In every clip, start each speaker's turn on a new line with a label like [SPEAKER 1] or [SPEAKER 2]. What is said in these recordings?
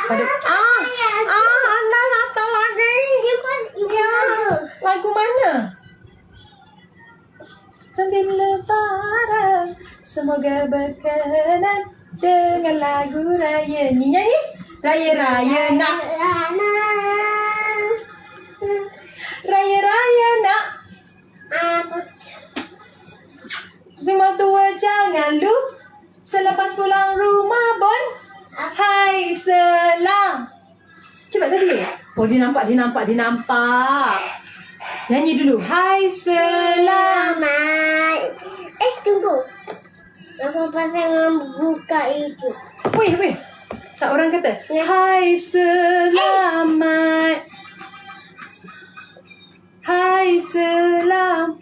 [SPEAKER 1] Pada Anda datang lagi. Ya. Lagu mana? Sambil lebaran, semoga berkenan dengan lagu raya. Ni nyanyi. Raya-raya nak. Raya-raya nak. Rumah tua jangan lupa. Selepas pulang rumah bon. Hai selam. Cepat tadi. Oh dia nampak. Nyanyi dulu. Hai selamat.
[SPEAKER 2] Tunggu. Aku pasang buka itu.
[SPEAKER 1] Weh. Tak orang kata. Hai selamat. Hai selam.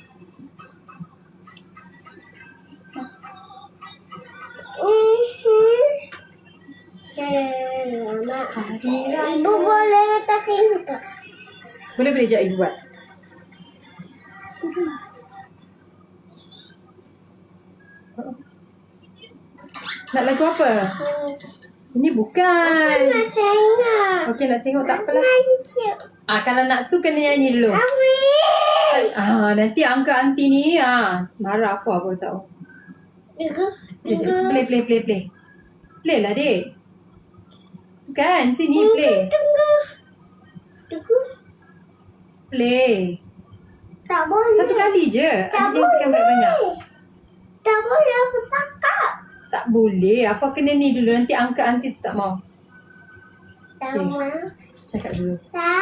[SPEAKER 2] Selamat.
[SPEAKER 1] Hari raya.
[SPEAKER 2] Ibu boleh letak ini tak?
[SPEAKER 1] Boleh sekejap ibu buat. Nak lagu apa? Ini bukan.
[SPEAKER 2] Saya nak.
[SPEAKER 1] Okey nak tengok tak apalah. Kalau nak tu kena nyanyi dulu.
[SPEAKER 2] Amin.
[SPEAKER 1] Nanti angka aunty ni marah Afwa baru tahu. Play. Play lah dek. Bukan sini play.
[SPEAKER 2] Tunggu.
[SPEAKER 1] Play.
[SPEAKER 2] Tak boleh.
[SPEAKER 1] Satu kali je.
[SPEAKER 2] Tak
[SPEAKER 1] Dia tekan banyak-banyak.
[SPEAKER 2] Tak boleh aku cakap.
[SPEAKER 1] Tak boleh. Afwa kena ni dulu. Nanti angka aunty tu tak mau.
[SPEAKER 2] Tak
[SPEAKER 1] Okey.
[SPEAKER 2] mau.
[SPEAKER 1] Cakap dulu.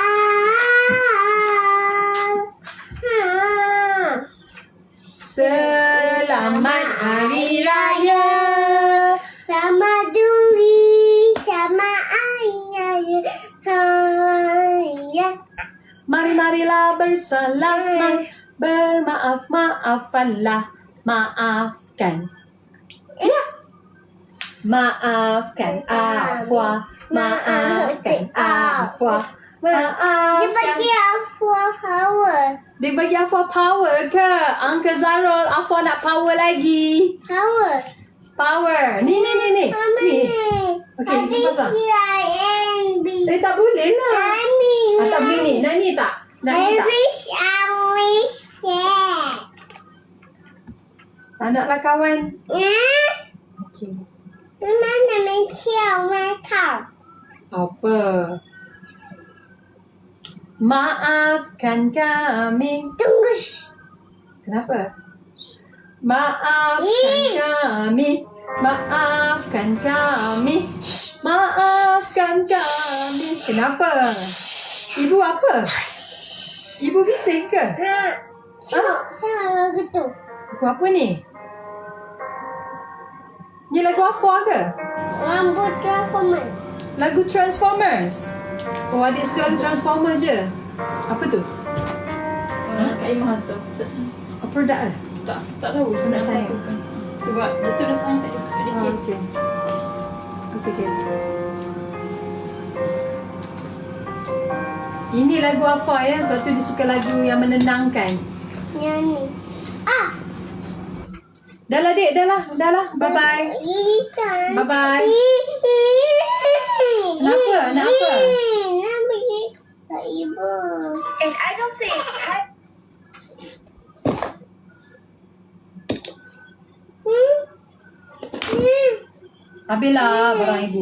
[SPEAKER 1] Selamat Hari Raya.
[SPEAKER 2] Sama duri, sama ayah, ayah.
[SPEAKER 1] Mari-marilah bersalaman. Bermaaf-maafanlah. Maafkan. Ya. Maafkan Afwa. Maafkan Afwa.
[SPEAKER 2] Dia
[SPEAKER 1] Maafkan.
[SPEAKER 2] bagi aku power.
[SPEAKER 1] Dia bagi Afwa power ke? Uncle Zarul, Afwa nak power lagi. Power. Ni.
[SPEAKER 2] Mama
[SPEAKER 1] Ni.
[SPEAKER 2] ni.
[SPEAKER 1] Okey,
[SPEAKER 2] Tapi
[SPEAKER 1] kita pasang.
[SPEAKER 2] C-I-N-B.
[SPEAKER 1] Tak boleh lah.
[SPEAKER 2] Mami.
[SPEAKER 1] Tak boleh ni. Nak ni tak? Nak
[SPEAKER 2] I
[SPEAKER 1] ni tak?
[SPEAKER 2] wish that.
[SPEAKER 1] Tak naklah kawan. Okey.
[SPEAKER 2] Mana mencium makeup?
[SPEAKER 1] Apa? Maafkan kami.
[SPEAKER 2] Tunggu.
[SPEAKER 1] Kenapa? Maafkan
[SPEAKER 2] Ish.
[SPEAKER 1] kami. Maafkan kami. Maafkan kami. Kenapa? Ibu apa? Ibu bising ke?
[SPEAKER 2] Tengok lagu tu.
[SPEAKER 1] Lagu apa ni? Ni lagu Afwa ke?
[SPEAKER 2] Rambut performance.
[SPEAKER 1] Lagu Transformers. Oh, adik suka lagu Transformers je. Apa tu?
[SPEAKER 3] Kak Imah tu.
[SPEAKER 1] Apa produk ke?
[SPEAKER 3] Tak tahu.
[SPEAKER 1] Nak sayang.
[SPEAKER 3] Sebab dia tu dah sayang tak ada.
[SPEAKER 1] Oh, okey. Okey. Ini lagu Afwa ya. Sebab tu dia suka lagu yang menenangkan.
[SPEAKER 2] Yang ni.
[SPEAKER 1] Dah lah dek, dah lah. Bye-bye. Bye-bye. Kenapa? Nak apa?
[SPEAKER 2] Nak pergi ke ibu.
[SPEAKER 4] And I don't say it's time.
[SPEAKER 1] Habislah barang ibu.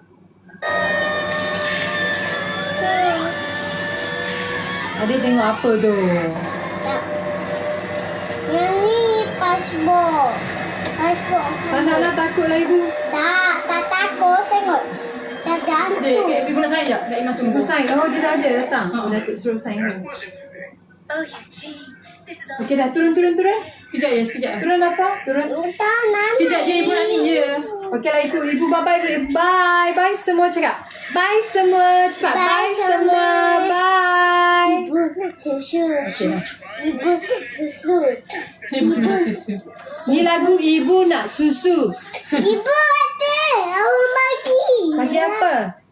[SPEAKER 1] Adik tengok apa tu?
[SPEAKER 2] Tak. Yang ni passport.
[SPEAKER 1] Tak naklah takutlah ibu.
[SPEAKER 2] Tak takut tengok. Tak
[SPEAKER 3] Dek,
[SPEAKER 2] jantung.
[SPEAKER 3] ibu nak sayang sekejap. Kak Imah tunggu.
[SPEAKER 1] Ibu sign. Oh, dia dah ada datang. Oh, Datuk suruh sign dulu.
[SPEAKER 4] Oh, Eugene, this is all.
[SPEAKER 1] Okey dah, turun.
[SPEAKER 3] Sekejap ya.
[SPEAKER 1] Turun apa? Turun.
[SPEAKER 2] Tak nak.
[SPEAKER 3] Sekejap je ibu nak ni je.
[SPEAKER 1] Okeylah ibu bye-bye dulu. Bye semua cakap. Bye semua. Cepat. Bye semua. Bye.
[SPEAKER 2] Ibu nak susu.
[SPEAKER 1] Okey dah.
[SPEAKER 2] Ibu nak susu.
[SPEAKER 3] Ibu nak susu.
[SPEAKER 1] Ni lagu Ibu Nak Susu.
[SPEAKER 2] Ibu ada. Aku bagi.
[SPEAKER 1] Bagi apa?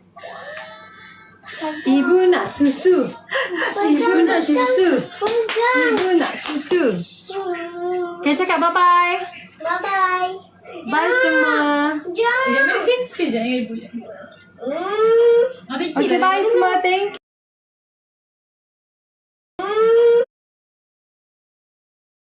[SPEAKER 1] Ibu nak susu. Ibu nak susu.
[SPEAKER 2] Bukan.
[SPEAKER 1] Ibu nak susu. Okay, cakap bye-bye.
[SPEAKER 2] Bye-bye.
[SPEAKER 1] Bye semua.
[SPEAKER 2] Jom.
[SPEAKER 3] Sekejap, sekejap dengan ibu je.
[SPEAKER 2] Hmm.
[SPEAKER 1] Okay, bye semua. Thank